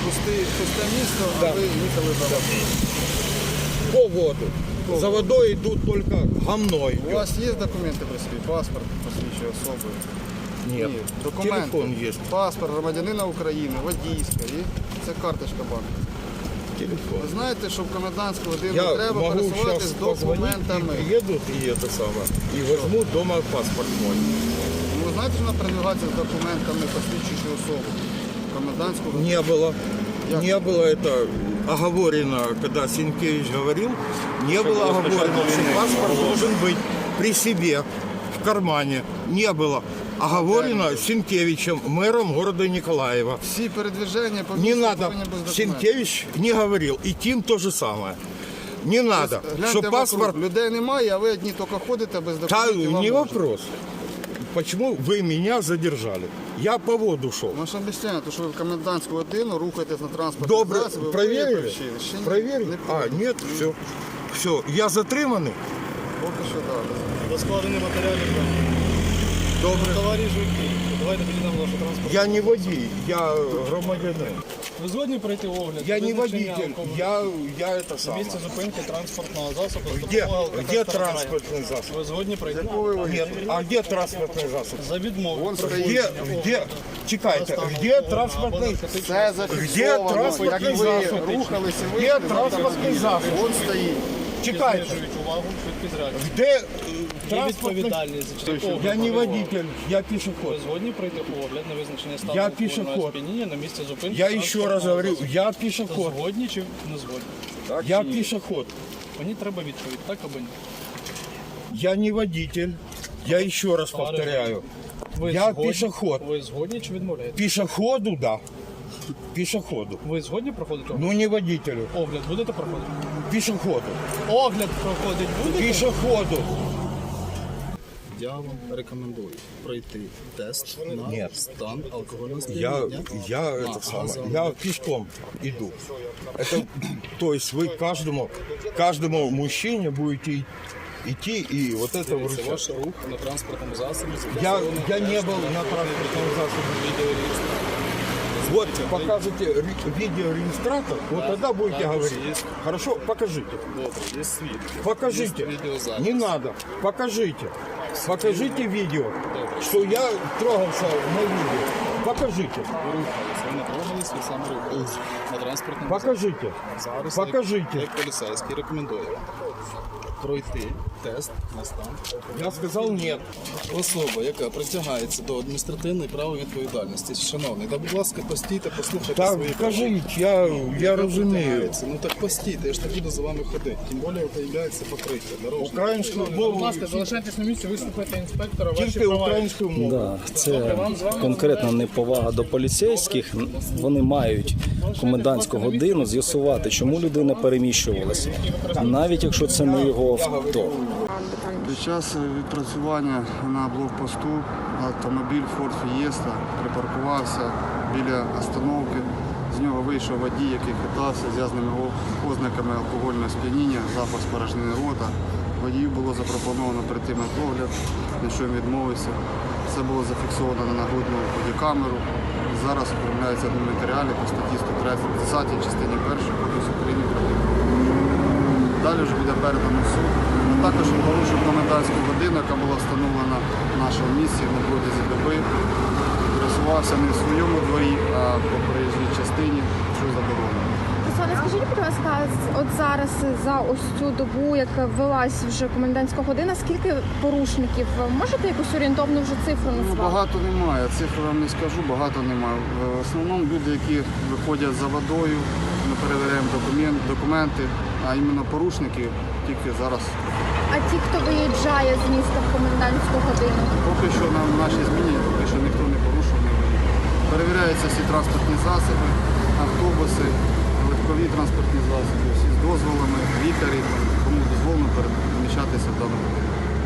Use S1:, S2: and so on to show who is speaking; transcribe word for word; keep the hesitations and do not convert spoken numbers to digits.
S1: Пусти, пусте місто,
S2: Да.
S1: а ви їхали за водою.
S2: По воду. За водой идут только гамной.
S1: У вас є документи при собі? Паспорт посвідчує особи?
S2: Нет.
S1: Ні. Документи.
S2: Телефон есть.
S1: Паспорт громадянина України, водійська і це карточка банку.
S2: Телефон.
S1: Ви знаєте, що в комендантську годину
S2: Я
S1: треба
S2: могу
S1: пересуватися
S2: сейчас
S1: з
S2: позвонить,
S1: документами.
S2: и приедут и это самое. И возьмут дома паспорт мой.
S1: Ну, ви знаєте, що вона передвигається з документами, посвідчуючи особу? В комендантську годину.
S2: Не было.
S1: Я-
S2: Не было это оговорено, когда Сенкевич говорил, не было оговорено, что паспорт должен быть при себе, в кармане. Не было оговорено Сенкевичем, мэром города Николаева.
S1: Всі передвиження по
S2: Не
S1: місту
S2: надо,
S1: повинні бути з документами.
S2: Сенкевич не говорил, и Тим то же самое. Не надо,
S1: Гляньте
S2: что
S1: вокруг,
S2: паспорт...
S1: людей немає, а ви одні тільки ходите без
S2: Да,
S1: документів. вам
S2: не
S1: можна.
S2: вопрос. Почему вы меня задержали? Я по воду шел.
S1: Ми ж обіцяємо, що ви в комендантську годину рухаєтесь на транспортному
S2: Добре,
S1: засобі. ви
S2: проверили?
S1: виключили. Ще ні.
S2: Проверили?
S1: Не
S2: А,
S1: проверили.
S2: нет, все. Все, я затриманий.
S1: Поки що так.
S3: Розкладені матеріали.
S2: Добре.
S3: Товариш водій, давайте підійдемо вашу транспорт.
S2: Я не водій, я громадянин.
S3: Ви згодні пройти огляд?
S2: Я не
S3: Визначення
S2: водитель,
S3: алкоголю?
S2: я, я это самое.
S3: Місце зупинки транспортного засобу. з
S2: Где,
S3: допомогою
S2: где
S3: алкотестера
S2: транспортный засоб?
S3: Ви згодні пройти?
S2: Нет, а где транспортный засоб?
S3: За відмову.
S2: Где, где, чекайте, где транспортный,
S1: Це
S2: где
S1: зафіксовано,
S2: транспортный
S1: як ви
S2: засоб?
S1: рухалися, ви
S2: Где транспортный засоб?
S1: Вон стоїть.
S2: Чекайте,
S3: Знижують увагу, швидкість реакції.
S2: где э,
S3: Є
S2: транспортный...
S3: відповідальність за частину
S2: Я не
S3: огляду.
S2: водитель, я
S3: Ви
S2: пішоход.
S3: згодні пройти огляд на визначення стану
S2: Я
S3: алкогольного
S2: пішоход.
S3: сп'яніння на місці зупинки?
S2: Я еще раз
S3: транспортного
S2: говорю,
S3: засобу?
S2: я пішоход.
S3: Згодні чи не згодні?
S2: Я пішоход.
S3: Мені треба відповідь, так або ні?
S2: Я не водитель. Я еще раз повторяю.
S3: Ви
S2: Я
S3: згодні-
S2: пішоход.
S3: Ви згодні чи відмовляєте?
S2: Пешеходу, да. Пешеходу.
S3: Ви згодні проходити огляд?
S2: Ну не водителю.
S3: Огляд будете проходити?
S2: Пешеходу.
S3: Огляд проходить будете?
S2: Пешеходу.
S4: Я вам рекомендую пройти тест на
S2: Ні.
S4: стан алкогольного
S2: Я,
S4: сп'яніння.
S2: я это самое, я пешком иду. Это, то есть вы каждому, каждому мужчине будете идти и вот это
S4: Це
S2: вручать.
S4: ваш рух на транспортному засобі.
S2: Я, я не был на транспортном засобе. Вот покажете ре- видеорегистратор, вот тогда будете
S4: також
S2: говорить.
S4: есть.
S2: Хорошо, покажите.
S4: Добре, є свідки.
S2: Покажите.
S4: Є відеозапис.
S2: Не надо. Покажите. Покажите видео, что я трогался на видео. Покажите.
S4: Ви рухались, ви не трогались, ви саме рухались на транспортному
S2: Покажите.
S4: засобі. Зараз
S2: Покажите.
S4: Як, як поліцейський рекомендую пройти тест на стан.
S2: Я сказал нет.
S4: Особа, яка притягається до адміністративної правової відповідальності. Шановний, та будь ласка, постійте, послухайте
S2: Так,
S4: свої
S2: кажіть, я, я розумію.
S4: притягається. Ну так постійте, я ж не буду за вами ходити. Тим більше появляється покриття дорожнє.
S2: Українською
S3: Будь
S2: мовою,
S3: ласка, залишайтесь на місці, вислухайте інспектора, ваші
S2: тільки
S3: права.
S2: українською мовою.
S5: Да, це конкретна неповага до поліцейських. Вони мають комендантську годину з'ясувати, чому людина переміщувалася, навіть якщо це не його авто.
S1: Під час відпрацювання на блокпосту автомобіль Ford Fiesta припаркувався біля остановки. З нього вийшов водій, який хитався з ясними ознаками алкогольного сп'яніння, запах спорожнини рота. Водію було запропоновано прийти на огляд, на що він відмовився. Це було зафіксовано на нагрудну бодікамеру. Зараз оформляються адмінматеріали по статті сто тридцять частині першої Кодексу України про адмінправопорушення. Далі вже буде передано в суд. А також він порушив комендантську годину, яка була встановлена в нашому місці на протязі доби. Пересувався не в своєму дворі, а по проїжджій частині, що заборонено.
S6: Руслане, скажіть, будь ласка, от зараз за ось цю добу, як ввелась вже комендантська година, скільки порушників? Можете якусь орієнтовну вже цифру
S1: Ну,
S6: назвати?
S1: багато немає, цифр вам не скажу, багато немає. В основному люди, які виходять за водою, ми перевіряємо документ, документи, а іменно порушники тільки зараз.
S6: А ті, хто виїжджає з міста в комендантську годину?
S1: Поки що на нашій зміні, поки що ніхто не порушив, не виїхав. Перевіряються всі транспортні засоби, автобуси, легкові транспортні засоби, всі з дозволами, лікарі, кому дозволено переміщатися в даному будинку.